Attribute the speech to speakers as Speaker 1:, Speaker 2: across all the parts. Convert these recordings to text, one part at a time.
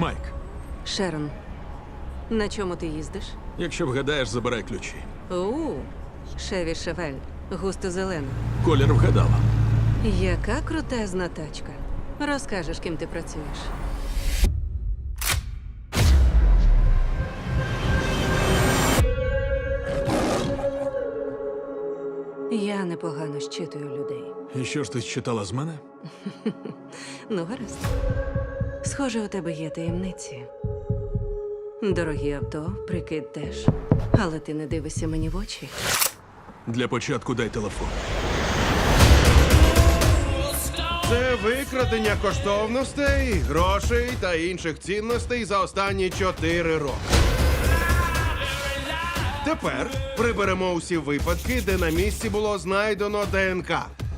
Speaker 1: Майк,
Speaker 2: Шерон, на чому ти їздиш?
Speaker 1: якщо вгадаєш, забирай ключі.
Speaker 2: Шеві Шевель, густо зелена.
Speaker 1: Колір вгадала.
Speaker 2: Яка крутезна тачка. Розкажеш, ким ти працюєш. Я непогано щитую людей.
Speaker 1: І що ж ти читала з мене?
Speaker 2: Ну, гаразд. Схоже, у тебе є таємниці. Дорогі авто, прикид теж. Але ти не дивишся мені в очі.
Speaker 1: Для початку дай телефон.
Speaker 3: Це викрадення коштовностей, грошей та інших цінностей за останні 4 роки. Тепер приберемо усі випадки, де на місці було знайдено ДНК.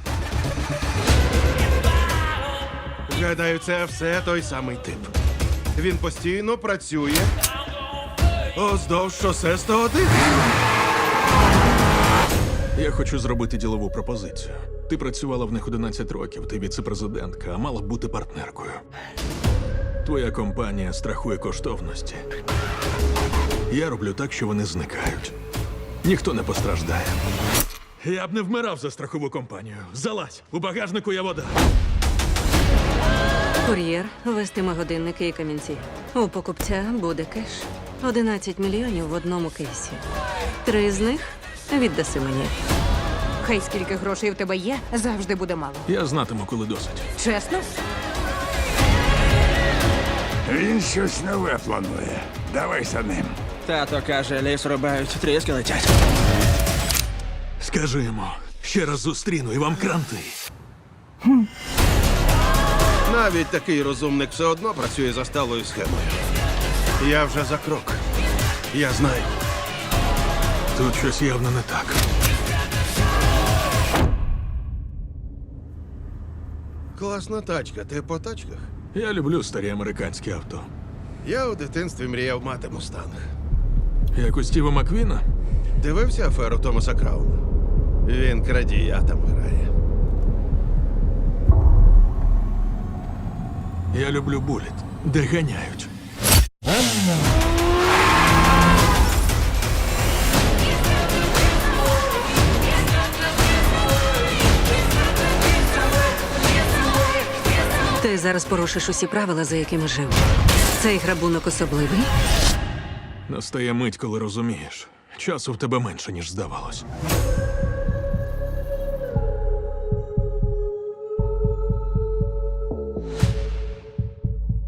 Speaker 3: Гадаю, це все той самий тип. Він постійно працює уздовж шосе 101.
Speaker 1: Я хочу зробити ділову пропозицію. Ти працювала в них 11 років, ти віце-президентка, а мала б бути партнеркою. Твоя компанія страхує коштовності. Я роблю так, що вони зникають. Ніхто не постраждає. Я б не вмирав за страхову компанію. Залазь, у багажнику є вода.
Speaker 2: Кур'єр вестиме годинники і камінці. У покупця буде кеш. 11 мільйонів в одному кейсі. 3 з них віддаси мені.
Speaker 4: Хай скільки грошей в тебе є, завжди буде мало.
Speaker 1: Я знатиму, коли досить.
Speaker 4: Чесно?
Speaker 5: Він щось нове планує. Давай за ним.
Speaker 6: Тато каже, ліс рубають, тріски летять.
Speaker 1: Скажи йому, ще раз зустріну і вам кранти.
Speaker 3: Навіть такий розумник все одно працює за сталою схемою. Я вже за крок. Я знаю.
Speaker 1: Тут щось явно не так.
Speaker 3: Класна тачка. Ти по тачках?
Speaker 1: Я люблю старі американські авто.
Speaker 3: Я у дитинстві мріяв мати мустанг.
Speaker 1: Як у Стіва Маквіна?
Speaker 3: Дивився аферу Томаса Крауна? Він крадія там грає.
Speaker 1: Я люблю буліт, де ганяють.
Speaker 2: Ти зараз порушиш усі правила, за якими жив. Цей грабунок особливий.
Speaker 1: Настає мить, коли розумієш. Часу в тебе менше, ніж здавалось.